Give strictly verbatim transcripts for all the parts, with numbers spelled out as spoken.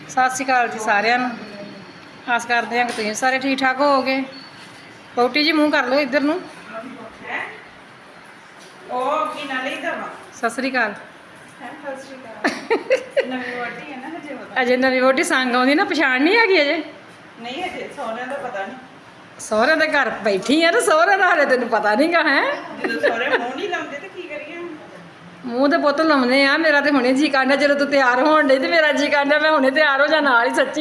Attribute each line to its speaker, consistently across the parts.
Speaker 1: ਸਤਿ ਸ਼੍ਰੀ ਅਕਾਲ ਜੀ ਸਾਰਿਆਂ ਨੂੰ। ਆਸ ਕਰਦੇ ਹਾਂ ਕਿ ਤੁਸੀਂ ਸਾਰੇ ਠੀਕ ਠਾਕ ਹੋਵੋਗੇ। ਪੌਟੀ ਜੀ ਮੂੰਹ ਕਰ ਲਓ ਇੱਧਰ ਨੂੰ।
Speaker 2: ਉਹ ਕੀ ਨਾਲੇ ਹੀ ਦਵਾ
Speaker 1: ਸਤਿ ਸ਼੍ਰੀ ਅਕਾਲ।
Speaker 2: ਸਤਿ ਸ਼੍ਰੀ ਅਕਾਲ। ਨਵੀਂ ਵੋਟੀ ਹੈ ਨਾ ਹਜੇ ਪਤਾ
Speaker 1: ਅਜੇ ਨਵੀਂ ਵੋਟੀ ਸੰਗ ਆਉਂਦੀ ਨਾ, ਪਛਾਣ ਨਹੀਂ ਹੈਗੀ ਅਜੇ।
Speaker 2: ਨਹੀਂ ਹਜੇ ਸੋਹਰਿਆਂ ਦਾ ਪਤਾ ਨਹੀਂ।
Speaker 1: ਸਹੁਰੇ ਦੇ ਘਰ ਬੈਠੀ ਆ ਤੇ ਸਹੁਰੇ ਦਾ ਹਾਲੇ ਤੈਨੂੰ ਪਤਾ ਨਹੀਂਗਾ ਹੈ।
Speaker 2: ਜਦੋਂ ਸੋਹਰੇ ਮੂੰਹ ਨਹੀਂ ਲਾਉਂਦੇ ਤੇ ਕੀ ਕਰੀਏ।
Speaker 1: ਮੂੰਹ ਤੇ ਪੁੱਤ ਲਾਉਂਦੇ ਆ। ਮੇਰਾ ਤੇ ਹੁਣੇ ਜੀ ਕਾਂਡਾ, ਜਦੋਂ ਤੂੰ ਤਿਆਰ ਹੋਣ ਡਈ ਤੇ ਮੇਰਾ ਜੀ ਕਾਂਡਾ ਮੈਂ ਹੁਣੇ ਤਿਆਰ ਹੋ ਜਾ ਨਾਲ ਹੀ ਸੱਚੀ।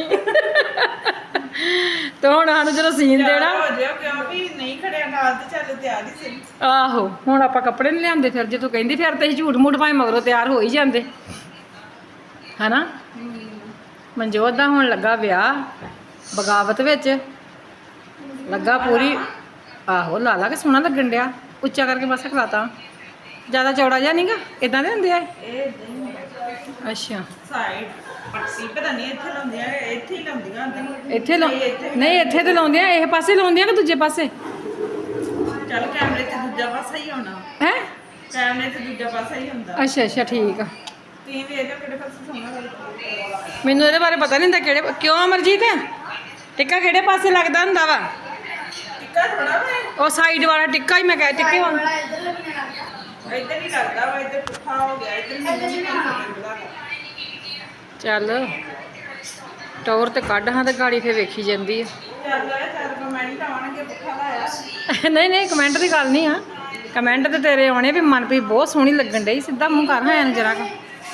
Speaker 1: ਤੇ ਹੁਣ ਸਾਨੂੰ ਜਦੋਂ ਸੀਨ ਦੇਣਾ
Speaker 2: ਹੋ ਜਾਓ ਕਿਉਂ ਵੀ ਨਹੀਂ ਖੜਿਆ ਨਾਲ ਤੇ ਚੱਲ ਤਿਆਰ ਹੀ ਸੀ।
Speaker 1: ਆਹੋ, ਹੁਣ ਆਪਾਂ ਕੱਪੜੇ ਨਹੀਂ ਲਿਆਂਦੇ। ਫਿਰ ਜੇ ਤੂੰ ਕਹਿੰਦੀ ਫਿਰ ਤੇ ਅਸੀਂ ਝੂਠ ਮੂਠ ਭਾਵੇਂ ਮਗਰੋਂ ਤਿਆਰ ਹੋ ਹੀ ਜਾਂਦੇ ਹਨਾ। ਮਨਜੋਤ ਦਾ ਹੁਣ ਲੱਗਾ ਵਿਆਹ ਬਗਾਵਤ ਵਿੱਚ ਲੱਗਾ ਪੂਰੀ। ਆਹੋ ਲਾ ਲਾ ਕੇ ਸੋਹਣਾ ਲੱਗਣ ਡਿਆ। ਉੱਚਾ ਕਰਕੇ ਬਸ ਖਲਾਤਾ, ਜ਼ਿਆਦਾ ਚੌੜਾ ਜਿਹਾ ਨਹੀਂਗਾ। ਇਦਾਂ ਦੇ ਹੁੰਦੇ ਆ
Speaker 2: ਇਹ
Speaker 1: ਅੱਛਾ।
Speaker 2: ਸਾਈਡ ਪੱਟੀ ਪਤਾ ਨਹੀਂ ਇੱਥੇ ਲਾਉਂਦੀਆਂ, ਇੱਥੇ ਹੀ ਲਾਉਂਦੀਆਂ ਹੁੰਦੀਆਂ।
Speaker 1: ਇੱਥੇ ਲਾ ਨਹੀਂ, ਇੱਥੇ ਤੇ ਲਾਉਂਦੇ ਆ। ਇਹ ਪਾਸੇ ਲਾਉਂਦੇ ਆ ਕਿ ਦੂਜੇ ਪਾਸੇ?
Speaker 2: ਚੱਲ ਕੈਮਰੇ ਤੇ ਦੂਜਾ ਪਾਸਾ ਹੀ ਹੋਣਾ
Speaker 1: ਹੈ।
Speaker 2: ਕੈਮਰੇ ਤੇ ਦੂਜਾ ਪਾਸਾ ਹੀ ਹੁੰਦਾ।
Speaker 1: ਅੱਛਾ ਅੱਛਾ ਠੀਕ ਆ।
Speaker 2: ਤੁਸੀਂ ਵੇਖ ਲਓ ਕਿਹੜੇ ਪਾਸੇ ਸੋਹਣਾ ਲੱਗਦਾ।
Speaker 1: ਮੈਨੂੰ ਇਹਦੇ ਬਾਰੇ ਪਤਾ ਨਹੀਂ ਹੁੰਦਾ ਕਿਹੜੇ। ਕਿਉਂ ਅਮਰਜੀਤ, ਟਿੱਕਾ ਕਿਹੜੇ ਪਾਸੇ ਲੱਗਦਾ ਹੁੰਦਾ ਵਾ?
Speaker 2: ਟਿੱਕਾ ਥੋੜਾ ਵਾ
Speaker 1: ਉਹ ਸਾਈਡ ਵਾਲਾ ਟਿੱਕਾ ਹੀ ਮੈਂ ਕਹਿ ਟਿੱਕੇ ਵਾਂਗ।
Speaker 2: ਇੱਧਰ ਹੀ ਲੱਗਦਾ ਵਾ, ਇੱਧਰ ਪੁੱਠਾ ਹੋ ਗਿਆ। ਇੱਧਰ ਨਹੀਂ ਲੱਗਦਾ।
Speaker 1: ਚੱਲ ਟੌਰ ਤੇ ਕੱਢ ਹਾਂ ਤੇ ਗਾੜੀ ਫੇਰ ਵੇਖੀ ਜਾਂਦੀ ਆ।
Speaker 2: ਚੱਲ ਚਾਰ ਕਮੈਂਟ ਆਉਣਗੇ ਪੁੱਠਾ ਲਾਇਆ।
Speaker 1: ਨਹੀਂ ਨਹੀਂ, ਕਮੈਂਟ ਦੀ ਗੱਲ ਨਹੀਂ ਆ। ਕਮੈਂਟ ਤੇ ਤੇਰੇ ਆਉਣੇ ਵੀ ਮਨਪ੍ਰੀਤ ਬਹੁਤ ਸੋਹਣੀ ਲੱਗਣ ਡਈ। ਸਿੱਧਾ ਮੂੰਹ ਕਰ ਹਾਂ ਇਹਨੂੰ ਜਰਾ ਕੁ।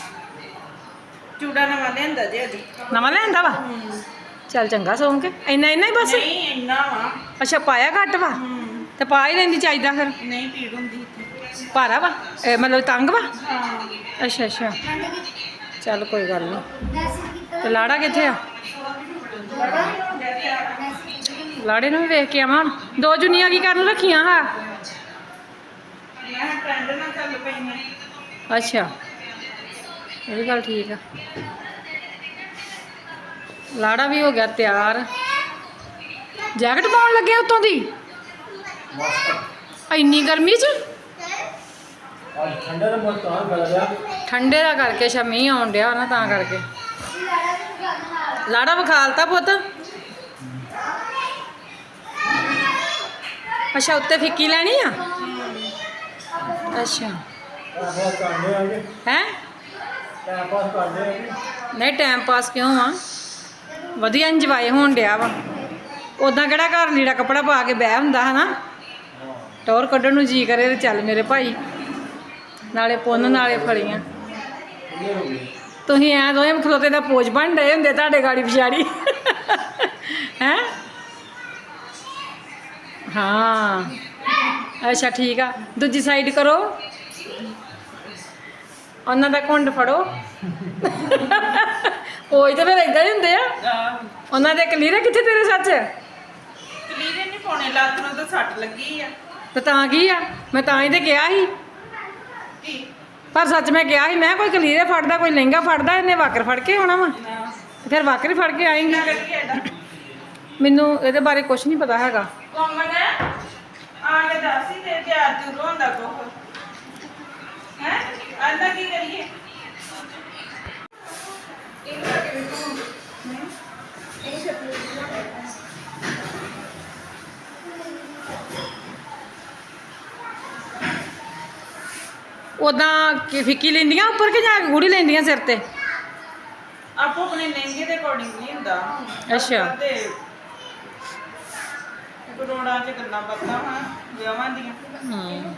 Speaker 2: ਚੂੜਾ ਨਵਾਂ ਲਿਆਂਦਾ ਜੇ ਅਜੀ।
Speaker 1: ਨਵਾਂ ਲਿਆਂਦਾ ਵਾ? ਚੱਲ ਚੰਗਾ ਸੌਂ ਕੇ। ਇੰਨਾ ਇੰਨਾ ਹੀ ਬਸ?
Speaker 2: ਨਹੀਂ ਇੰਨਾ ਵਾ।
Speaker 1: ਅੱਛਾ ਪਾਇਆ ਘੱਟ ਵਾ ਤੇ ਪਾ ਹੀ ਲੈਂਦੀ ਚਾਹੀਦਾ ਫਿਰ।
Speaker 2: ਨਹੀਂ ਪੀੜ ਹੁੰਦੀ ਇੱਥੇ।
Speaker 1: ਭਾਰਾ ਵਾ ਇਹ ਮਤਲਬ ਤੰਗ ਵਾ?
Speaker 2: ਹਾਂ
Speaker 1: ਅੱਛਾ ਅੱਛਾ ਚੱਲ ਕੋਈ ਗੱਲ ਨਹੀਂ। ਤੇ ਲਾੜਾ ਕਿੱਥੇ ਆ? ਲਾੜੇ ਨੂੰ ਵੀ ਵੇਖ ਕੇ ਆਵਾਂ। ਦੋ ਜੁਨੀਆਂ ਕੀ ਕਰਨ ਰੱਖੀਆਂ ਹਾਂ?
Speaker 2: ਮੈਂ ਟ੍ਰੈਂਡ ਨਾਲ ਚੱਲ ਪਈ ਹਾਂ।
Speaker 1: ਅੱਛਾ ਇਹ ਵੀ ਗੱਲ ਠੀਕ ਆ। ਲਾੜਾ ਵੀ ਹੋ ਗਿਆ ਤਿਆਰ। ਜੈਕਟ ਪਾਉਣ ਲੱਗੇ ਉੱਤੋਂ ਦੀ ਇੰਨੀ ਗਰਮੀ 'ਚ?
Speaker 3: ਠੰਡੇ ਦਾ ਮੌਸਮ ਕਰ ਗਿਆ।
Speaker 1: ਠੰਡੇ ਦਾ ਕਰਕੇ ਸ਼ਮੀ ਆਉਣ ਡਿਆ ਨਾ, ਤਾਂ ਕਰਕੇ ਲਾੜਾ ਵਿਖਾਲਤਾ ਪੁੱਤ। ਅੱਛਾ ਉੱਤੇ ਫਿੱਕੀ ਲੈਣੀ ਆ? ਅੱਛਾ
Speaker 3: ਆਪਾਂ ਕਾਂਡੇ ਆ ਗਏ।
Speaker 1: ਹੈ।
Speaker 3: ਟਾਈਮ ਪਾਸ ਕਰਦੇ ਆ।
Speaker 1: ਨਹੀਂ ਟਾਈਮ ਪਾਸ ਕਿਉਂ ਆ, ਵਧੀਆ ਇੰਜੋਏ ਹੋਣ ਡਿਆ ਵਾ। ਉਦਾਂ ਕਿਹੜਾ ਘਰ ਲੀੜਾ ਕੱਪੜਾ ਪਾ ਕੇ ਬਹਿ ਹੁੰਦਾ ਹਨਾ। ਟੌਰ ਕੱਢਣ ਨੂੰ ਜੀ ਕਰੇ ਤੇ ਚੱਲ ਮੇਰੇ ਭਾਈ, ਨਾਲੇ ਪੁੰਨ ਨਾਲੇ ਫਲੀਆਂ। ਤੁਸੀਂ ਐਂ ਦੋਵੇਂ ਖਲੋਤੇ ਦਾ ਪੋਜ ਬਣ ਰਹੇ ਹੁੰਦੇ ਤੁਹਾਡੇ ਗਾੜੀ ਪਿਛਾੜੀ ਹੈ। ਹਾਂ ਅੱਛਾ ਠੀਕ ਆ। ਦੂਜੀ ਸਾਈਡ ਕਰੋ, ਉਹਨਾਂ ਦਾ ਘੁੰਡ ਫੜੋ। ਉਹੀ ਤਾਂ ਫਿਰ ਏਦਾਂ ਹੀ ਹੁੰਦੇ ਆ ਉਹਨਾਂ ਦੇ। ਕਲੀਰੇ ਕਿੱਥੇ ਤੇਰੇ ਸੱਚ?
Speaker 2: ਕਲੀਰੇ ਨਹੀਂ ਪਾਉਣੇ, ਲੱਤ ਨੂੰ ਤਾਂ ਸੱਟ ਲੱਗੀ ਆ।
Speaker 1: ਤੇ ਤਾਂ ਕੀ ਆ, ਮੈਂ ਤਾਂ ਹੀ ਤੇ ਕਿਹਾ ਸੀ।
Speaker 2: ਕੀ
Speaker 1: ਪਰ ਸੱਚ ਮੈਂ ਕਿਹਾ ਸੀ, ਮੈਂ ਕੋਈ ਕਲੀਰੇ ਫੜਦਾ ਕੋਈ ਲਹਿੰਗਾ ਫੜਦਾ, ਇਹਨੇ ਵਾਕਰ ਫੜ ਕੇ ਆਉਣਾ ਵਾ। ਫਿਰ ਵਾਕਰ ਹੀ ਫੜ ਕੇ ਆਏਂਗੀ। ਮੈਨੂੰ ਇਹਦੇ ਬਾਰੇ ਕੁਝ ਨਹੀਂ ਪਤਾ ਹੈਗਾ।
Speaker 2: ਕੋਮਨ ਆ ਕੇ ਦੱਸ ਹੀ ਦੇ ਤਿਆਰ ਤੂੰ ਹੁੰਦਾ ਕੋ ਹੈ। ਆਂਦਾ ਕੀ ਕਰੀਏ?
Speaker 1: ਉਦਾਂ ਕਿ ਫਿੱਕੀ ਲੈਂਦੀਆਂ ਉੱਪਰ ਕਿ ਜਾਂ ਗੂੜੀ ਲੈਂਦੀਆਂ ਸਿਰ ਤੇ?
Speaker 2: ਆਪੋ ਆਪਣੇ ਲਹਿੰਗੇ ਦੇ ਅਕੋਰਡਿੰਗ ਨਹੀਂ ਹੁੰਦਾ।
Speaker 1: ਅੱਛਾ।
Speaker 2: ਤੇ ਕਰੋੜਾਂ ਚ ਗੱਲਾਂ ਬਾਤਾਂ ਹਾਂ ਵਿਆਹਾਂ ਦੀਆਂ।
Speaker 1: ਹੂੰ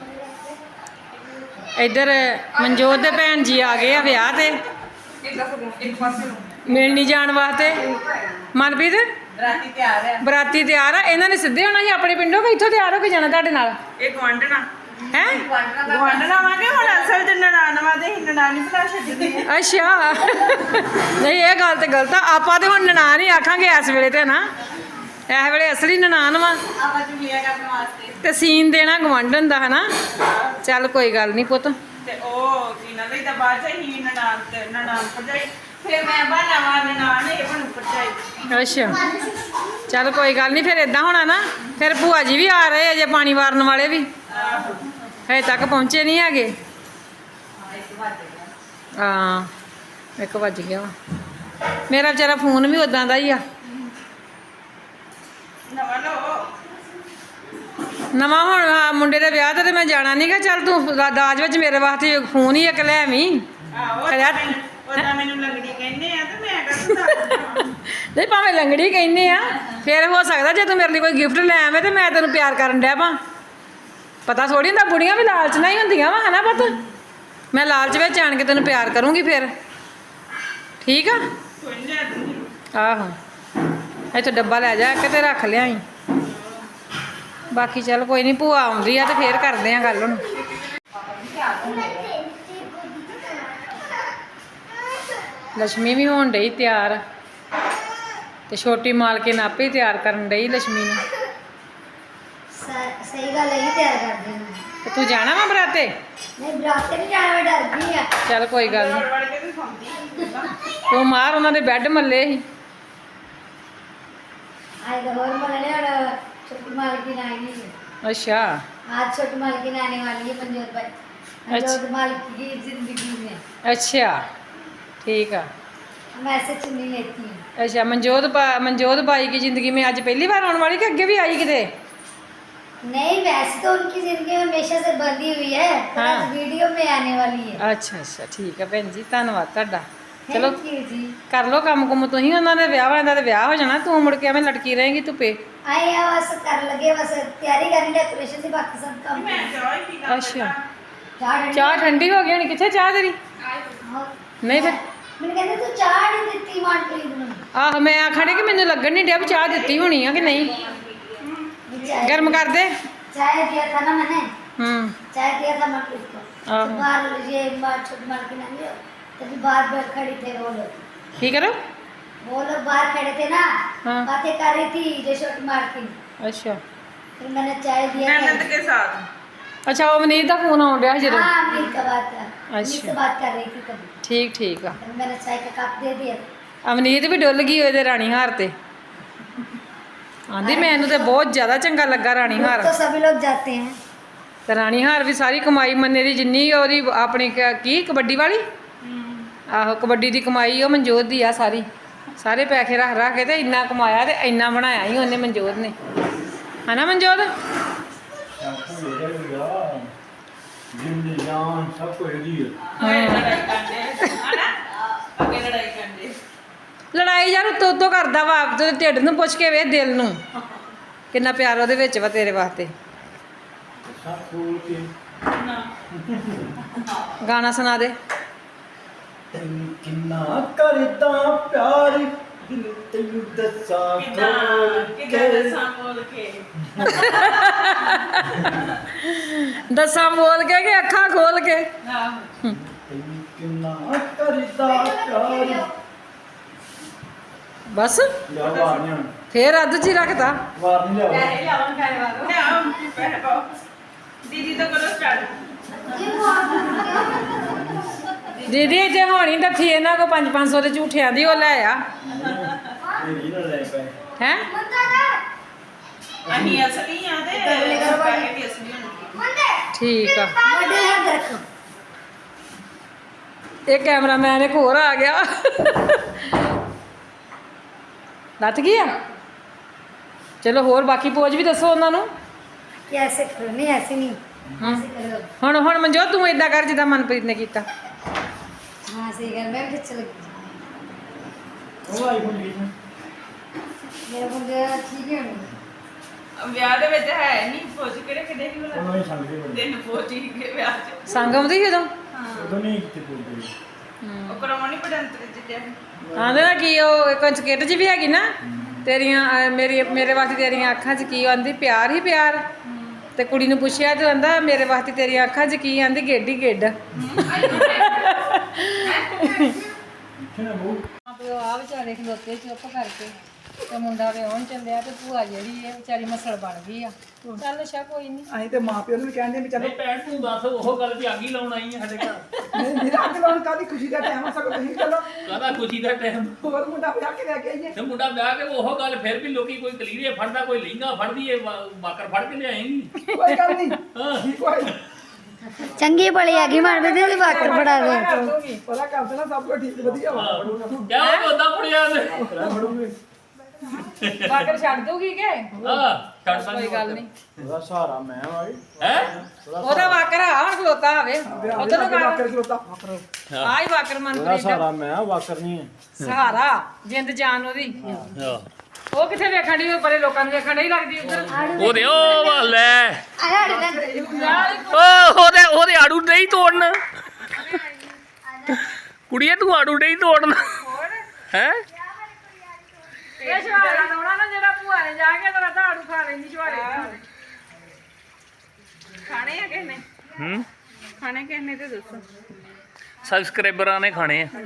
Speaker 1: ਇੱਧਰ ਮਨਜੋਤ ਦੇ ਭੈਣ ਜੀ ਆ ਗਏ ਆ ਵਿਆਹ ਤੇ
Speaker 2: ਇੱਕ ਪਾਸੇ
Speaker 1: ਮਿਲਣੀ ਜਾਣ ਵਾਸਤੇ। ਮਨਪ੍ਰੀਤ
Speaker 2: ਰਾਤੀ ਤਿਆਰ ਆ।
Speaker 1: ਬਰਾਤੀ ਤਿਆਰ ਆ। ਇਹਨਾਂ ਨੇ ਸਿੱਧੇ ਹੋਣਾ ਸੀ ਆਪਣੇ ਪਿੰਡੋਂ ਕਿ ਇੱਥੋਂ ਤਿਆਰ ਹੋ ਕੇ ਜਾਣਾ ਤੁਹਾਡੇ ਨਾਲ?
Speaker 2: ਇਹ ਗਵਾਂਢਣਾ
Speaker 1: ਹੈ
Speaker 2: ਗਵਾਂਢਣਾ ਵਾਂਗੇ ਹੁਣ ਅਸਲ ਚ ਨਨਾਣ ਵਾਦੇ ਹੀ ਨਨਾਣੀ ਭਲਾ ਛੱਡਦੇ ਆ।
Speaker 1: ਅੱਛਾ ਨਹੀਂ ਇਹ ਗੱਲ ਤੇ ਗਲਤ ਆ। ਆਪਾਂ ਤੇ ਹੁਣ ਨਨਾਣ ਹੀ ਆਖਾਂਗੇ ਇਸ ਵੇਲੇ ਤੇ ਨਾ। ਇਸ ਵੇਲੇ ਅਸਲੀ ਨਨਾਣ ਵਾ
Speaker 2: ਆਪਾਂ ਚੁਗਲੀਆਂ ਕਰਨ ਵਾਸਤੇ
Speaker 1: ਤੇ ਸੀਨ ਦੇਣਾ ਗਵਾਂਢਣ ਦਾ ਹਨਾ। ਚੱਲ ਕੋਈ ਗੱਲ ਨਹੀਂ ਪੁੱਤ।
Speaker 2: ਤੇ ਉਹ ਸੀਨਾ ਲਈ ਤਾਂ ਬਾਅਦ ਚ ਹੀ ਨਨਾਣ ਤੇ ਨਨਾਣ ਭਰਜਾਈ। ਫਿਰ ਮੈਂ ਬਹਾਨਾ ਮਾਰਨ ਨਨਾਣ ਇਹ ਬਣੂ ਭਰਜਾਈ।
Speaker 1: ਅੱਛਾ ਚੱਲ ਕੋਈ ਗੱਲ ਨਹੀਂ। ਫਿਰ ਇਦਾਂ ਹੋਣਾ ਨਾ, ਫਿਰ ਭੂਆ ਜੀ ਵੀ ਆ ਰਹੇ ਅਜੇ, ਪਾਣੀ ਵਾਰਨ ਵਾਲੇ ਵੀ ਹਜੇ ਤੱਕ ਪਹੁੰਚੇ ਨਹੀਂ ਹੈਗੇ। ਹਾਂ ਇੱਕ ਵੱਜ ਗਿਆ ਵਾ। ਮੇਰਾ ਵਿਚਾਰਾ ਫੋਨ ਵੀ ਉਦਾਂ ਦਾ ਹੀ ਆ
Speaker 2: ਨਵਾਂ ਲਓ
Speaker 1: ਨਵਾਂ ਹੁਣ ਆਹ ਮੁੰਡੇ ਦੇ ਵਿਆਹ ਤੇ ਤੇ ਮੈਂ ਜਾਣਾ ਨਹੀਂਗਾ। ਚੱਲ ਤੂੰ ਦਾ- ਦਾਜ ਵਿੱਚ ਮੇਰੇ ਵਾਸਤੇ ਫੋਨ ਹੀ ਇੱਕ ਲੈ ਆਵੀਂ।
Speaker 2: ਆਹੋ
Speaker 1: ਕਰਿਆ-
Speaker 2: ਉਹਦਾ ਮੈਨੂੰ ਲੰਗੜੀ ਕਹਿੰਦੇ ਆ ਤੇ ਮੈਂ ਕਹਿੰਦਾ
Speaker 1: ਨਹੀਂ ਭਾਵੇਂ ਲੰਗੜੀ ਕਹਿੰਦੇ ਆ, ਫਿਰ ਹੋ ਸਕਦਾ ਜੇ ਤੂੰ ਮੇਰੇ ਲਈ ਕੋਈ ਗਿਫਟ ਲੈ ਆਵੇਂ ਤੇ ਮੈਂ ਤੈਨੂੰ ਪਿਆਰ ਕਰਨ ਡਿਆ ਪਾ। ਪਤਾ ਥੋੜੀ ਹੁੰਦਾ, ਬੁੜੀਆਂ ਵੀ ਲਾਲਚ ਨਾਲ ਹੀ ਹੁੰਦੀਆਂ ਵਾ, ਹਨਾ ਪੁੱਤ। ਮੈਂ ਲਾਲਚ ਵਿੱਚ ਆਣ ਕੇ ਤੈਨੂੰ ਪਿਆਰ ਕਰੂੰਗੀ ਫਿਰ, ਠੀਕ ਆ?
Speaker 2: ਕੋਈ ਨਹੀਂ ਲੈ ਦੂੰਗੀ।
Speaker 1: ਆਹੋ ਇੱਥੇ ਡੱਬਾ ਲੈ ਜਾ ਇੱਕ ਤੇ ਰੱਖ ਲਿਆਈ। ਬਾਕੀ ਚੱਲ ਕੋਈ ਨਹੀਂ, ਭੂਆ ਆਉਂਦੀ ਆ ਤੇ ਫੇਰ ਕਰਦੇ ਆ ਗੱਲ ਹੁਣ। ਲక్ష్ਮੀ ਵੀ ਹੋਣ ਡਈ ਤਿਆਰ ਤੇ ਛੋਟੀ ਮਾਲਕਿਨ ਆਪੇ ਹੀ ਤਿਆਰ ਕਰਨ ਡਈ ਲక్ష్ਮੀ ਨੂੰ।
Speaker 4: ਸ- ਸਹੀ ਗੱਲ ਹੈ ਹੀ ਤਿਆਰ ਕਰਦੇ ਨੇ।
Speaker 1: ਤੇ ਤੂੰ ਜਾਣਾ ਵਾ ਬਰਾਤੇ?
Speaker 4: ਨਹੀਂ ਬਰਾਤ ਤੇ ਨਹੀਂ ਜਾਣਾ, ਮੈਂ ਡਰਦੀ ਆ।
Speaker 1: ਚੱਲ ਕੋਈ ਗੱਲ
Speaker 2: ਵੜ
Speaker 1: ਨਹੀਂ,
Speaker 2: ਵੜ ਕੇ ਤੂੰ ਖਾਂਦੀ
Speaker 1: ਤੂੰ ਮਾਰ ਉਹਨਾਂ ਦੇ ਬੈੱਡ ਮੱਲੇ ਸੀ।
Speaker 4: ਆਏ तो और मलने और छोटी मालकिन आएगी।
Speaker 1: ਅੱਛਾ
Speaker 4: आज छोटी मालकिन आने वाली है मंजोत भाई, मंजोत मालकिन की जिंदगी में
Speaker 1: ਅੱਛਾ ਠੀਕ ਆ।
Speaker 4: हम ऐसे चुनी लेती हूँ।
Speaker 1: ਅੱਛਾ ਮਨਜੋਤ ਬਾ- ਮਨਜੋਤ ਬਾਈ की जिंदगी में ਅੱਜ ਪਹਿਲੀ ਵਾਰ ਆਉਣ ਵਾਲੀ ਕਿ ਅੱਗੇ ਵੀ ਆਈ ਕਿਤੇ?
Speaker 4: नहीं वैसे तो उनकी जिंदगी हमेशा से बंधी हुई है, पर
Speaker 1: हाँ।
Speaker 4: आज वीडियो में आने वाली है।
Speaker 1: ਅੱਛਾ ਅੱਛਾ ਠੀਕ ਆ ਭੈਣ ਜੀ, ਧੰਨਵਾਦ ਤੁਹਾਡਾ। ਚਲੋ
Speaker 4: थैंक यू जी।
Speaker 1: ਕਰ ਲੋ ਕੰਮ ਕੁਮ ਤੁਸੀਂ, ਉਹਨਾਂ ਦੇ ਵਿਆਹ ਵਾਲਿਆਂ ਦਾ ਤੇ ਵਿਆਹ ਹੋ ਜਾਣਾ, ਤੂੰ ਮੁੜ ਕੇ ਐਵੇਂ ਲਟਕੀ ਰਹੇਂਗੀ ਧੁੱਪੇ।
Speaker 4: आए यहाँ बस कर लगे, बस तैयारी करनी डेकोरेशन की, बाकी सब काम
Speaker 2: ਮੈਂ ਚਾਹ ਹੀ ਪੀ ਲਾ
Speaker 1: ਅੱਛਾ
Speaker 4: चाह
Speaker 1: ਚਾਹ ਠੰਡੀ ਹੋ ਗਈ ਹੋਣੀ, ਕਿੱਥੇ ਚਾਹ ਤੇਰੀ? ਨਹੀਂ ਫਿਰ
Speaker 4: मैंने कहते तू चाह नहीं देती मानप्रीत में।
Speaker 1: ਆਹੋ ਮੈਂ ਆਖਣੇ ਕਿ ਮੈਨੂੰ ਲੱਗਣ ਨਹੀਂ ਡਿਆ ਵੀ ਚਾਹ ਦਿੱਤੀ ਹੋਣੀ ਆ ਕਿ ਨਹੀਂ।
Speaker 4: चाय
Speaker 1: ਗਰਮ ਕਰ ਦੇ।
Speaker 4: चाय दिया था ना मैंने,
Speaker 1: ਹੂੰ
Speaker 4: चाय दिया था मनप्रीत को।
Speaker 1: हाँ।
Speaker 4: तो बाहर ये बाहर छोटी मालकिन आई है, तभी बाहर बाहर खड़ी थे वो लोग
Speaker 1: ਕੀ ਕਰੋ?
Speaker 4: वो लोग बाहर खड़े थे ना,
Speaker 1: हाँ।
Speaker 4: बातें कर रही थी जो छोटी मालकिन।
Speaker 1: ਅੱਛਾ
Speaker 4: फिर मैंने चाय दिया
Speaker 2: ਨੰਦ
Speaker 4: था।
Speaker 2: ਕੇ ਸਾਥ
Speaker 1: ਅੱਛਾ ਉਹ ਮਨੀਤ ਦਾ ਫੋਨ ਆਉਣ ਡਿਆ ਸੀ ਜਦੋਂ।
Speaker 4: हाँ अमीर का बात है, अमीर
Speaker 1: अच्छा।
Speaker 4: से बात कर रही थी तभी।
Speaker 1: ਠੀਕ ਠੀਕ ਆ।
Speaker 4: फिर मैंने चाय का कप दे दिया।
Speaker 1: ਅਮਨੀਤ ਵੀ ਡੁੱਲ ਗਈ ਉਹਦੇ ਰਾਣੀ ਹਾਰ ਤੇ, ਆਂਦੀ ਮੈਨੂੰ ਤੇ ਬਹੁਤ ਜ਼ਿਆਦਾ ਚੰਗਾ ਲੱਗਾ ਰਾਣੀ ਹਾਰ।
Speaker 4: तो सभी लोग जाते हैं।
Speaker 1: ਤੇ ਰਾਣੀ ਹਾਰ ਵੀ ਸਾਰੀ ਕਮਾਈ ਮੰਨੇ ਦੀ ਜਿੰਨੀ ਉਹਦੀ ਆਪਣੀ ਕ- ਕੀ ਕਬੱਡੀ ਵਾਲੀ, ਆਹੋ ਕਬੱਡੀ ਦੀ ਕਮਾਈ ਉਹ ਮਨਜੋਤ ਦੀ ਆ ਸਾਰੀ। ਸਾਰੇ ਪੈਸੇ ਰੱਖ ਰੱਖ ਕੇ ਤੇ ਇੰਨਾ ਕਮਾਇਆ ਤੇ ਇੰਨਾ ਬਣਾਇਆ ਹੀ ਉਹਨੇ ਮਨਜੋਤ ਨੇ, ਹਨਾ ਮਨਜੋਤ?
Speaker 3: ਆਪੂ ਇਹਦਾ ਹੀ ਆ ਜਿੰਦੀ ਜਾਨ ਸਭ ਕੁਝ ਇਹਦੀ ਹੈ।
Speaker 2: ਹੋਏ ਲੜਾਈ ਕਰਦੇ ਹਨਾ ਅੱਗੇ ਲੜਾਈ ਕਰਦੇ
Speaker 1: ਲੜਾਈ ਯਾਰ ਉੱਤੋਂ ਉੱਤੋਂ ਕਰਦਾ ਵਾ, ਤੇ ਢਿੱਡ ਨੂੰ ਪੁੱਛ ਕੇ ਵੇਖ ਦਿਲ ਨੂੰ ਕਿੰਨਾ ਪਿਆਰ ਉਹਦੇ ਵਿੱਚ ਵਾ ਤੇਰੇ ਵਾਸਤੇ।
Speaker 3: ਸਭ ਫੂਲ ਕੇ
Speaker 2: ਨਾ
Speaker 1: ਗਾਣਾ ਸੁਣਾ ਦੇ।
Speaker 3: ਤੈਨੂੰ ਕਿੰਨਾ ਕਰਦਾ ਪਿਆਰ ਦਿਲ ਤੈਨੂੰ ਦੱਸਾਂ
Speaker 2: ਕਿਦਾਂ
Speaker 3: ਖੋਲ
Speaker 2: ਕਿਦਾਂ
Speaker 3: ਕੇ।
Speaker 2: ਦੱਸਾਂ ਬੋਲ ਕੇ
Speaker 1: ਦੱਸਾਂ ਬੋਲ ਕੇ ਕਿ ਅੱਖਾਂ ਖੋਲ ਕੇ?
Speaker 2: ਆਹੋ
Speaker 3: ਤੈਨੂੰ ਕਿੰਨਾ ਕਰਦਾ ਪਿਆਰ।
Speaker 1: ਬਸ
Speaker 3: ਲਿਆ ਵਾਰ ਨਹੀਂ ਹੁਣ,
Speaker 1: ਫੇਰ ਅੱਧ ਚ ਹੀ ਰੱਖਦਾ।
Speaker 3: ਵਾਰ ਨਹੀਂ ਲਿਆ
Speaker 2: ਪੈਸੇ ਲਿਆਉਣ ਪੈਸੇ ਵਾਲੋ ਲਿਆਓ ਪੈਸੇ ਪਾਓ ਦੀਦੀ ਤੋਂ ਕਰੋ ਸਟਾਰਟ
Speaker 1: ਦੀਦੀ ਜੇ ਹੋਣੀ ਡੱਥੀ ਇਹਨਾਂ ਕੋ ਪੰਜ ਪੰਜ ਸੌ ਦੇ ਝੂਠਿਆਂ ਦੀ ਉਹ ਲੈ ਆ
Speaker 3: ਇਹ ਵੀ ਨਾ ਲੈ ਪਏ।
Speaker 1: ਹੈ।
Speaker 2: ਅਸੀਂ ਅਸਲੀ ਆ ਤੇ ਪੈਸੇ ਵੀ ਅਸਲੀ ਹੋਣਗੇ
Speaker 1: ਠੀਕ ਆ।
Speaker 4: बड़े हाथ रखो।
Speaker 1: ਇਹ ਕੈਮਰਾਮੈਨ ਇੱਕ ਹੋਰ ਆ ਗਿਆ। ਲੱਤ ਗਈ ਆ। ਚਲੋ ਹੋਰ ਬਾਕੀ ਪੋਜ ਵੀ ਦੱਸੋ ਉਹਨਾਂ ਨੂੰ।
Speaker 4: कि ऐसे करो, नहीं ऐसे नहीं,
Speaker 1: हाँ।
Speaker 4: ऐसे करो।
Speaker 1: ਹੁਣ ਹੁਣ ਮਨਜੋਤ ਤੂੰ ਏਦਾਂ ਕਰ ਜਿੱਦਾਂ ਮਨਪ੍ਰੀਤ ਨੇ ਕੀਤਾ।
Speaker 4: हाँ सही कर, मैं भी अच्छा लगी।
Speaker 3: ਉਹ ਆਈ ਹੁੰਦੀ ਹੈ
Speaker 4: मेरा मुझे ठीक है नहीं।
Speaker 2: ਵਿਆਹ ਦੇ ਵਿੱਚ ਹੈ ਨਹੀਂ ਫੌਜ ਕਿਹੜੇ ਕਿਹੜੇ ਹੀ
Speaker 3: ਉਹਨਾਂ
Speaker 2: ਬਣਾ
Speaker 3: ਹੀ ਸੰਗ ਦੇ ਬੜੇ
Speaker 2: ਦਿਨ ਫੌਜੀ ਕੇ ਵਿਆਹ ਚ
Speaker 1: ਸੰਗ ਆਉਂਦੀ ਸੀ ਉਦੋਂ।
Speaker 3: ਉਦੋਂ ਨਹੀਂ ਕਿਤੇ ਬੋਲਦੇ।
Speaker 2: ਉਹ ਕਰਾਉਣੀ ਪੜੰਤਰ ਜਿੱਤੇ
Speaker 1: ਆਂਦੇ ਨਾ ਕੀ ਉਹ ਇੱਕ ਸਕਿੱਟ ਜੀ ਵੀ ਹੈਗੀ ਨਾ, ਤੇਰੀਆਂ ਅਹ ਮੇਰੀ ਮੇਰੇ ਵਾਸਤੇ ਤੇਰੀਆਂ ਅੱਖਾਂ 'ਚ ਕੀ ਆਂਦੀ? ਪਿਆਰ ਹੀ ਪਿਆਰ। ਤੇ ਕੁੜੀ ਨੂੰ ਪੁੱਛਿਆ ਤੇ ਆਂਦਾ ਮੇਰੇ ਵਾਸਤੇ ਤੇਰੀਆਂ ਅੱਖਾਂ 'ਚ ਕੀ ਆਂਦੀ? ਗੇਡ ਹੀ ਗੇਡ।
Speaker 3: ਇੱਥੇ ਨਾ ਬਹੂ
Speaker 1: ਪਿਓ ਆ ਵਿਚਾਰੇ ਖਲੋਤੇ ਚੁੱਪ ਕਰਕੇ ਤੇ ਮੁੰਡਾ ਵਿਆਹਣ ਚੱਲਿਆ ਤੇ ਭੂਆ ਜਿਹੜੀ ਹੈ ਵਿਚਾਰੀ ਮਸਲ ਬਣ ਗਈ ਆ। ਚੱਲ ਅੱਛਾ ਕੋਈ ਨਹੀਂ।
Speaker 5: ਅਸੀਂ ਤੇ ਮਾਂ ਪਿਓ ਨੂੰ ਵੀ ਕਹਿੰਦੇ ਵੀ ਚਲੋ
Speaker 6: ਨਹੀਂ ਭੈਣ ਤੂੰ ਦੱਸ ਉਹ ਗੱਲ ਵੀ ਅੱਗ ਹੀ ਲਾਉਣ ਆਈ ਹੈ ਸਾਡੇ ਘਰ।
Speaker 5: ਨਹੀਂ ਮੇਰਾ ਅੱਗ ਲਾਉਣ ਕਾਹਦੀ ਖੁਸ਼ੀ ਦਾ ਟਾਈਮ ਆ, ਸਗੋਂ ਤੁਸੀਂ ਚਲੋ
Speaker 6: ਕਾਹਦਾ ਖੁਸ਼ੀ ਦਾ ਟਾਈਮ
Speaker 5: ਹੋਰ ਮੁੰਡਾ ਵਿਆਹ ਕੇ ਲੈ ਕੇ ਆਈਏ।
Speaker 6: ਤੇ ਮੁੰਡਾ ਵਿਆਹ ਕੇ ਉਹ ਗੱਲ ਫਿਰ ਵੀ ਲੋਕੀ ਕੋਈ ਕਲੀਰੇ ਫੜਦਾ ਕੋਈ ਲਹਿੰਗਾ ਫੜਦੀ ਏ ਬਾਕਰ ਫੜ ਕੇ ਲਿਆਏਂਗੀ।
Speaker 5: ਕੋਈ ਗੱਲ ਨਹੀਂ
Speaker 6: ਹਾਂ
Speaker 5: ਠੀਕ ਹੋਏ।
Speaker 4: ਚੰਗੀ ਭਲੀ ਹੈਗੀ ਮਨਪ੍ਰੀਤ ਦੀ ਵਾਕਰ ਬੜਾ ਦੇ
Speaker 1: ਕਰ ਦੂੰਗੀ
Speaker 5: ਪਤਾ ਕਰ ਦੇਣਾ ਸਭ ਕੁਝ ਠੀਕ ਵਧੀਆ ਵਾ
Speaker 6: ਕਿਆ ਉਹ ਉਦਾਂ ਫੜਿਆ ਨੇ
Speaker 1: ਵਾਕਰ ਛੱਡ ਦੂਗੀ ਕਿ
Speaker 6: ਹਾਂ ਛੱਡ
Speaker 1: ਕੋਈ ਗੱਲ ਨਹੀਂ
Speaker 3: ਉਹਦਾ ਸਹਾਰਾ ਮੈਂ ਵਾਈ
Speaker 6: ਹੈ
Speaker 1: ਉਹਦਾ ਵਾਕਰ ਆ ਹੁਣ ਖਲੋਤਾ ਹੋਵੇ ਉਧਰ ਨੂੰ
Speaker 5: ਵਾਕਰ
Speaker 1: ਕਰ
Speaker 5: ਖਲੋਤਾ
Speaker 1: ਆਈ ਵਾਕਰ
Speaker 3: ਉਹਦਾ
Speaker 1: ਮਨਪ੍ਰੀਤ ਦਾ
Speaker 3: ਸਹਾਰਾ ਮੈਂ ਵਾਕਰ ਨਹੀਂ ਹੈ
Speaker 1: ਸਹਾਰਾ ਜਿੰਦ ਜਾਨ ਉਹਦੀ ਉਹ ਕਿੱਥੇ ਵੇਖਣ ਦੀ ਪਰੇ ਲੋਕਾਂ ਨੂੰ ਵੇਖਣ ਨਹੀਂ ਲੱਗਦੀ ਉਧਰ
Speaker 6: ਉਹਦੇ ਉਹ ਵਾਲੇ
Speaker 4: ਅਰੇ ਅੜੇ
Speaker 6: ਉਹ ਉਹਦੇ ਉਹਦੇ ਆੜੂ ਨਹੀਂ ਤੋੜਨ ਕੁੜੀਏ ਤੂੰ ਆੜੂ ਨਹੀਂ ਤੋੜਨ ਹੈ
Speaker 1: ਇਹ ਸ਼ਵਾਰਾ ਲਾਉਣਾ ਨਾ ਜਿਹੜਾ ਭੂਆ ਨੇ ਜਾ ਕੇ ਤੇਰਾ ਝਾੜੂ ਖਾ ਲੈਂਦੀ ਸ਼ਵਾਰੇ
Speaker 2: ਖਾਣੇ ਆ ਕਿਸ ਨੇ
Speaker 6: ਹੂੰ
Speaker 2: ਖਾਣੇ ਕਿਸ ਨੇ ਤੇ ਦੱਸੋ
Speaker 6: ਸਬਸਕ੍ਰਾਈਬਰਾਂ ਨੇ ਖਾਣੇ ਆ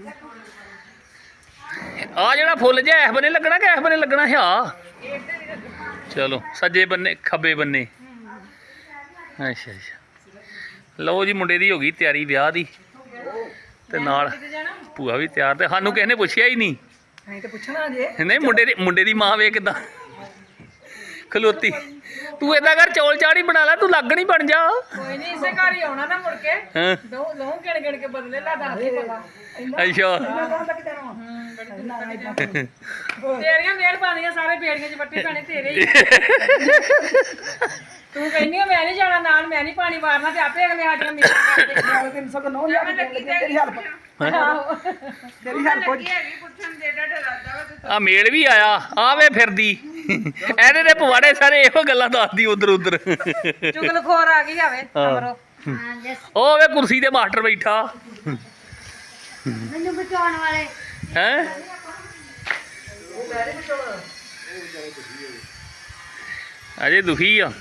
Speaker 6: ਆ ਜਿਹੜਾ ਫੁੱਲ ਜਿਹਾ ਇਸ ਬੰਨੇ ਲੱਗਣਾ ਕਿ ਇਸ ਬੰਨੇ ਲੱਗਣਾ ਹੈ ਆ ਚਲੋ ਸੱਜੇ ਬੰਨੇ ਖੱਬੇ ਬੰਨੇ ਅੱਛਾ ਅੱਛਾ ਲਓ ਜੀ ਮੁੰਡੇ ਦੀ ਹੋ ਗਈ ਤਿਆਰੀ ਵਿਆਹ ਦੀ ਤੇ ਨਾਲ ਭੂਆ ਵੀ ਤਿਆਰ ਤੇ ਸਾਨੂੰ ਕਿਸੇ ਨੇ ਪੁੱਛਿਆ ਹੀ ਨਹੀਂ
Speaker 5: ਨਹੀਂ ਤੇ ਪੁੱਛਣਾ ਜੇ
Speaker 6: ਨਹੀਂ ਮੁੰਡੇ ਦੀ ਮੁੰਡੇ ਦੀ ਮਾਂ ਵੇਖ ਕਿੱਦਾਂ ਖਲੋਤੀ ਤੂੰ ਏਦਾਂ ਕਰ ਚੌਲ ਚਾੜੀ ਬਣਾ ਲੈ ਤੂੰ ਲੱਗ ਨਹੀਂ ਬਣ ਜਾ
Speaker 1: ਕੋਈ ਨਹੀਂ ਇਸੇ ਘਰ ਹੀ ਆਉਣਾ ਨਾ ਮੁੜ ਕੇ
Speaker 6: ਹਾਂ
Speaker 1: ਦੋ ਲਹੂ ਕਿਣ ਕਿਣ ਕੇ ਬਦਲੇ ਲਾ ਦੱਸ ਕੀ ਪਤਾ
Speaker 6: ਅੱਛਾ
Speaker 5: ਕੌਣ ਤੱਕ ਜਾਣਾ
Speaker 1: ਤੇਰੀਆਂ ਮਿਹਰਬਾਨੀਆਂ ਸਾਰੇ ਬੇੜੀਆਂ 'ਚ ਵੱਟੇ ਪੈਣੇ ਤੇਰੇ ਹੀ ਤੂੰ ਕਹਿੰਦੀ ਆ ਮੈਂ ਨਹੀਂ ਜਾਣਾ ਨਾਲ ਮੈਂ ਨਹੀਂ ਪਾਣੀ ਮਾਰਨਾ ਤੇ ਆਪੇ ਅਗਲੇ ਸਾਡੀਆਂ ਮੀਟਾਂ ਕਰਦੇ
Speaker 5: ਨਾਲੇ ਤਿੰਨ ਸੌ ਨੌ ਹਜ਼ਾਰ ਤੇਰੀ ਹੈਲਪ
Speaker 1: ਆਹੋ
Speaker 5: ਤੇਰੀ ਹੈਲਪ ਹੋ
Speaker 2: ਕੀ ਹੈਗੀ ਪੁੱਛਣ ਦੇ ਡਾਡਾ ਰੱਦਾ ਵਾ
Speaker 6: ਆ ਮੇਲ ਵੀ ਆਇਆ ਆਵੇ ਫਿਰਦੀ ਇਹਦੇ ਦੇ ਪਵਾੜੇ ਸਾਰੇ ਇਹੋ ਗੱਲਾਂ ਦੱਸਦੀ ਉਧਰ ਉਧਰ
Speaker 1: ਚੁਗਲਖੋਰ ਆ ਗਈ ਆਵੇ ਅਮਰੋ
Speaker 4: ਹਾਂ ਜਸ
Speaker 6: ਉਹ ਵੇ ਕੁਰਸੀ ਤੇ ਮਾਸਟਰ ਬੈਠਾ
Speaker 4: ਮੈਨੂੰ ਬਚਾਉਣ ਵਾਲੇ
Speaker 6: ਹੈ ਅਜੇ ਦੁਖੀ ਆ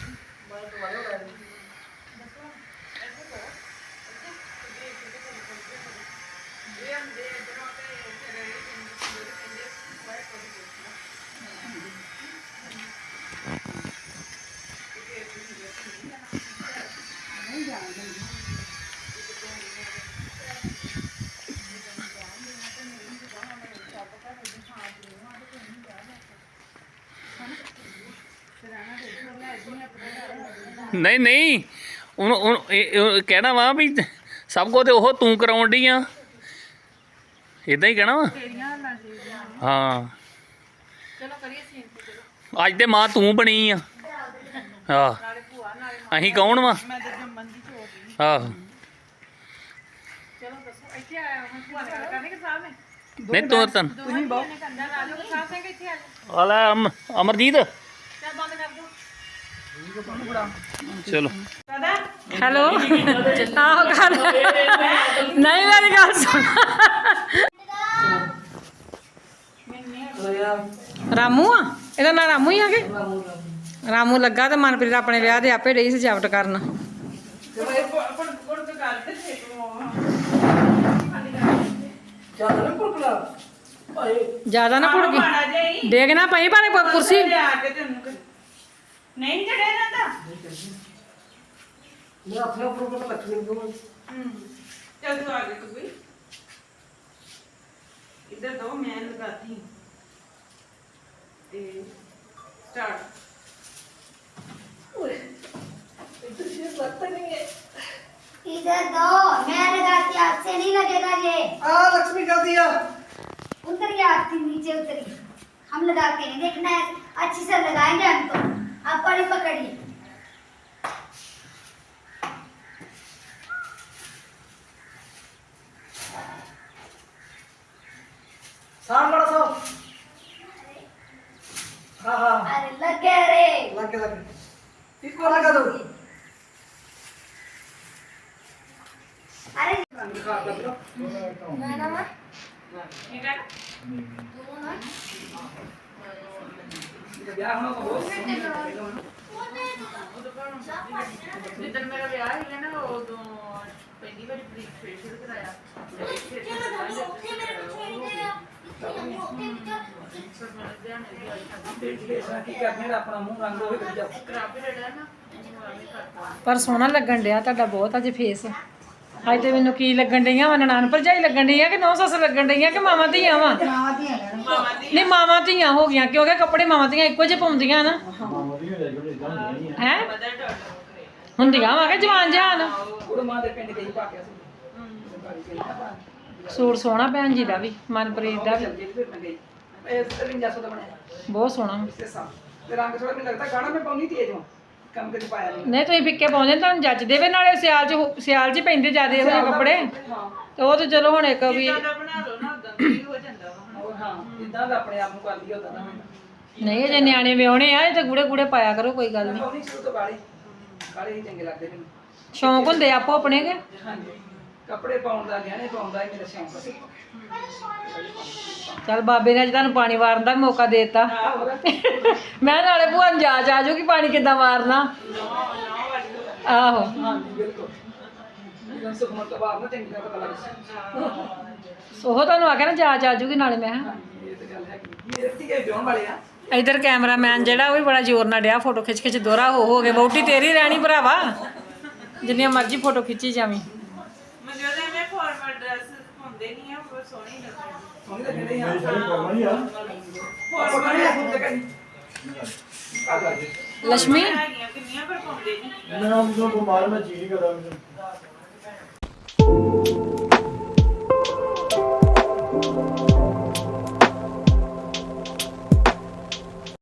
Speaker 6: ਨਹੀਂ ਨਹੀਂ ਉਹਨੂੰ ਉਹਨੂੰ ਇਹ- ਇਹ ਕਹਿਣਾ ਵਾ ਵੀ ਸਭ ਕੁਝ ਤੇ ਉਹ ਤੂੰ ਕਰਾਉਣ ਡਈ ਆ ਇਦਾਂ ਹੀ ਕਹਿਣਾ ਵਾ ਹਾਂ
Speaker 1: ਚਲੋ ਕਰੀਏ ਸੀਨ ਤੇ ਚਲੋ
Speaker 6: ਅੱਜ ਤੇ ਮਾਂ ਤੂੰ ਬਣੀ ਆ ਹਾਂ
Speaker 1: ਨਾਲੇ ਭੂਆ ਨਾਲੇ
Speaker 6: ਅਸੀਂ ਕੌਣ ਵਾ
Speaker 2: ਮੈਂ ਤਾਂ ਜੰਮਨ ਦੀ ਚੋਦੀ
Speaker 6: ਆਹੋ
Speaker 1: ਚਲੋ ਦੱਸੋ ਇੱਥੇ ਆਇਆ ਹੁਣ ਭੂਆ ਨੇ ਗੱਲ ਕਰਨੀ ਕਿ ਸਾਹਿਬ ਨੇ
Speaker 6: ਨਹੀਂ ਤੂੰ ਤਨ
Speaker 1: ਤੁਸੀਂ ਬਹੁਤ ਨੇ ਕੰਦਾ ਲਾ ਲਓ ਸਾਹਿਬ ਸਿੰਘ ਇੱਥੇ ਆ ਜਾਓ
Speaker 6: ਆ ਲੈ ਅਮ- ਅਮਰਜੀਤ
Speaker 1: ਚੱਲ ਬੰਦ ਕਰ ਦਿਓ
Speaker 6: ਚਲੋ
Speaker 2: ਕਦਾ
Speaker 1: ਹੈਲੋ ਆਹੋ ਕਰ ਨਹੀਂ ਮੇਰੀ ਗੱਲ ਸੁਣ ਰਾਮੂ ਆ ਇਹਦਾ ਨਾਂ ਰਾਮੂ ਹੀ ਆ ਕਿ ਰਾਮੂ ਲੱਗਾ ਤੇ ਮਨਪ੍ਰੀਤ ਆਪਣੇ ਵਿਆਹ ਦੇ ਆਪੇ ਰਹੀ ਸਜਾਵਟ ਕਰਨ
Speaker 2: ਤੇ ਉਹ ਪੜ ਪੜ ਕੇ ਕਰਦੇ ਤੇ
Speaker 5: ਚੱਲ ਨਾ ਪੁਰਕਲਾ ਭਾਈ
Speaker 1: ਜ਼ਿਆਦਾ ਨਾ ਭੁੜ
Speaker 2: ਮਾੜਾ
Speaker 1: ਗਈ
Speaker 2: ਜਾਈ
Speaker 1: ਡੇਗ ਨਾ ਪਈ ਪਰ ਕੁਰਸੀ
Speaker 2: ਲਿਆ ਕੇ ਤੈਨੂੰ ਕਿ- ਨਹੀਂ ਚੜਿਆ ਜਾਂਦਾ
Speaker 5: ਮੈਂ ਆਪਣਾ ਪੁਰਕਲਾ ਲੱਖਣੀ ਨੂੰ
Speaker 2: ਹੂੰ ਚੱਲ ਤੂੰ ਆ ਗਈ ਤੂੰ ਵੀ इधर दो मैं लगाती हूँ ते स्टार्ट
Speaker 4: इधर दो मैं लगाती आपसे नहीं लगेगा ये
Speaker 5: आ लक्ष्मी कर दिया
Speaker 4: उतर गया आपकी नीचे उतरी हम लगाते हैं देखना है अच्छी से लगाएंगे हम तो आप बड़ी पकड़िए
Speaker 5: साम बड़ा सा हाँ हाँ
Speaker 4: अरे लग गया रे
Speaker 5: लग गया लग गया इसको लगा दो
Speaker 4: अरे
Speaker 2: ठीक है जिधर मेरा ब्याह है ना वो दो पहली बार प्री फेशियल कराया
Speaker 5: की करने अपना मुंह रंग हो गया
Speaker 1: ਪਰ ਸੋਹਣਾ ਲੱਗਣ ਡਿਆ ਤੁਹਾਡਾ ਬਹੁਤ ਅੱਜ ਫੇਸ ਅੱਜ ਤੇ ਮੈਨੂੰ ਕੀ ਲੱਗਣ ਡਈਆਂ ਵਾ ਨਨਾਣ ਭਰਜਾਈ ਲੱਗਣ ਡਈਆਂ ਕਿ ਨੌ ਸੱਸ ਲੱਗਣ ਡਈਆਂ ਕਿ ਮਾਵਾਂ ਧੀਆਂ ਵਾ ਨਹੀਂ ਮਾਵਾਂ ਧੀਆਂ ਹੋ ਗਈਆਂ ਕਿਉਂਕਿ ਕੱਪੜੇ ਮਾਵਾਂ ਧੀਆਂ ਇੱਕੋ ਜਿਹੇ ਪਾਉਂਦੀਆਂ ਨਾ ਹੈ ਹੁੰਦੀਆਂ ਵਾ ਕਿ ਜਵਾਨ ਜਹਾਨ
Speaker 5: ਉਹ ਮਾਂ ਦੇ ਪਿੰਡ ਗਈ ਪਾ ਕੇ ਸੀ
Speaker 1: ਸੂਟ ਸੋਹਣਾ ਭੈਣ ਜੀ ਦਾ ਵੀ ਮਨਪ੍ਰੀਤ ਦਾ ਵੀ
Speaker 5: ਚੱਲ ਗਈ ਫਿਰ ਮੈਂ ਗਈ ਇਹ ਤਰਵੰਜਾ ਸੌ ਦਾ ਬਣਿਆ
Speaker 1: ਬਹੁਤ ਸੋਹਣਾ
Speaker 5: ਇਸੇ ਸਾਲ ਤੇ ਰੰਗ ਥੋੜਾ ਮੈਨੂੰ ਲੱਗਦਾ ਗਾਣਾ ਮੈਂ ਪਾਉਣੀ ਤੇਜ ਹਾਂ ਕੰਮ ਕਦੇ ਪਾਇਆ ਨਹੀਂ
Speaker 1: ਨਹੀਂ ਤੁਸੀਂ ਫਿੱਕੇ ਪਾਉਂਦੇ ਤੁਹਾਨੂੰ ਜੱਚਦੇ ਵੇ ਨਾਲੇ ਸਿਆਲ ਚ ਹੋ- ਸਿਆਲ ਚ ਹੀ ਪੈਂਦੇ ਜਿਆਦੇ ਇਹੋ ਜਿਹੇ ਕੱਪੜੇ
Speaker 5: ਹਾਂ
Speaker 1: ਤੇ ਉਹ ਤੇ ਚਲੋ ਹੁਣ ਇੱਕ ਵੀ
Speaker 2: ਜਿੱਦਾਂ ਦਾ ਬਣਾ ਲਓ ਨਾ ਉਦਾਂ ਦਾ ਹੀ ਹੋ ਜਾਂਦਾ ਵਾ
Speaker 5: ਉਹ ਹਾਂ ਜਿੱਦਾਂ ਦਾ ਆਪਣੇ ਆਪ ਨੂੰ ਕਰ ਲਈ ਉਦਾਂ ਦਾ
Speaker 1: ਨਹੀਂ ਅਜੇ ਨਿਆਣੇ ਵਿਆਹੁਣੇ ਆ ਇਹ ਤੇ ਗੂੜੇ ਗੂੜੇ ਪਾਇਆ ਕਰੋ ਕੋਈ ਗੱਲ ਨਹੀਂ
Speaker 5: ਪਾਉਣੀ ਸ਼ੁਰੂ ਤੋਂ ਕਾਲੇ ਕਾਲੇ ਹੀ ਚੰਗੇ ਲੱਗਦੇ ਮੈਨੂੰ
Speaker 1: ਸ਼ੌਂਕ ਹੁੰਦੇ ਆਪੋ ਆਪਣੇ ਕੇ
Speaker 5: ਹਾਂਜੀ ਕੱਪੜੇ ਪਾਉਣ ਦਾ ਗਹਿਣੇ ਪਾਉਣ ਦਾ ਹੀ ਮੇਰਾ ਸ਼ੌਂਕ ਸੀ
Speaker 1: ਚੱਲ ਬਾਬੇ ਨੇ ਅੱਜ ਤੁਹਾਨੂੰ ਪਾਣੀ ਵਾਰਨ ਦਾ ਵੀ ਮੌਕਾ ਦੇ ਦਿੱਤਾ ਮੈਂ ਨਾਲੇ ਭੂਆ ਨੂੰ ਜਾਚ ਆ ਜਾਊਗੀ ਪਾਣੀ ਕਿੱਦਾਂ ਮਾਰਨਾ ਆਹੋ
Speaker 5: ਹਾਂਜੀ ਬਿਲਕੁਲ ਜਦੋਂ ਸੁਖਮਨ ਤੋਂ ਬਾਅਦ ਨਾ ਚੰਗੀ ਤਰ੍ਹਾਂ ਪਤਾ ਲੱਗ ਜਾਂਦਾ
Speaker 1: ਉਹ ਤੁਹਾਨੂੰ ਆਖਿਆ ਨਾ ਜਾਚ ਆ ਜਾਊਗੀ ਨਾਲੇ ਮੈਂ ਕਿਹਾ
Speaker 5: ਇਹ ਤਾਂ ਗੱਲ ਹੈਗੀ ਮੇਰੇ ਧੀਏ ਵਿਆਹਣ ਵਾਲੇ ਆ
Speaker 1: ਇਧਰ ਕੈਮਰਾਮੈਨ ਜਿਹੜਾ ਉਹ ਵੀ ਬੜਾ ਜ਼ੋਰ ਨਾਲ ਡਿਆ ਫੋਟੋ ਖਿੱਚ ਖਿੱਚ ਦੋਹਰਾ ਹੋ ਹੋ ਕੇ ਵਹੁਟੀ ਤੇਰੀ ਰਹਿਣੀ ਭਰਾਵਾ ਜਿੰਨੀਆਂ ਮਰਜ਼ੀ ਫੋਟੋ ਖਿੱਚੀ ਜਾਵੀਂ
Speaker 2: ਮੈਨੂੰ ਉਹਦੇ ਮੈਂ ਫਾਰਮਲ ਡਰੈਸ ਪਾਉਂਦੇ ਨਹੀਂ ਆ ਉਹ ਸੋਹਣੀ ਲੱਗਦੀ
Speaker 5: ਸੋਹਣੀ ਤਾਂ ਕਹਿੰਦੇ ਆ
Speaker 3: ਮੇਰੀ ਸਾਰੀ ਕੋਲ ਨਹੀਂ ਆ
Speaker 5: ਹੋਰ ਬਣੀ ਆ ਹੁਣ ਤੱਕ ਆ ਗਾ ਜੀ
Speaker 1: ਲక్ష్ਮੀ
Speaker 2: ਹੈਗੀਆਂ ਕਿੰਨੀਆਂ ਪਰ ਪਾਉਂਦੇ ਨਹੀਂ
Speaker 3: ਮੈਂ ਉਹ ਬਿਮਾਰ ਮੈਂ ਚੀਜ਼ ਕਰਦਾ ਮੈਨੂੰ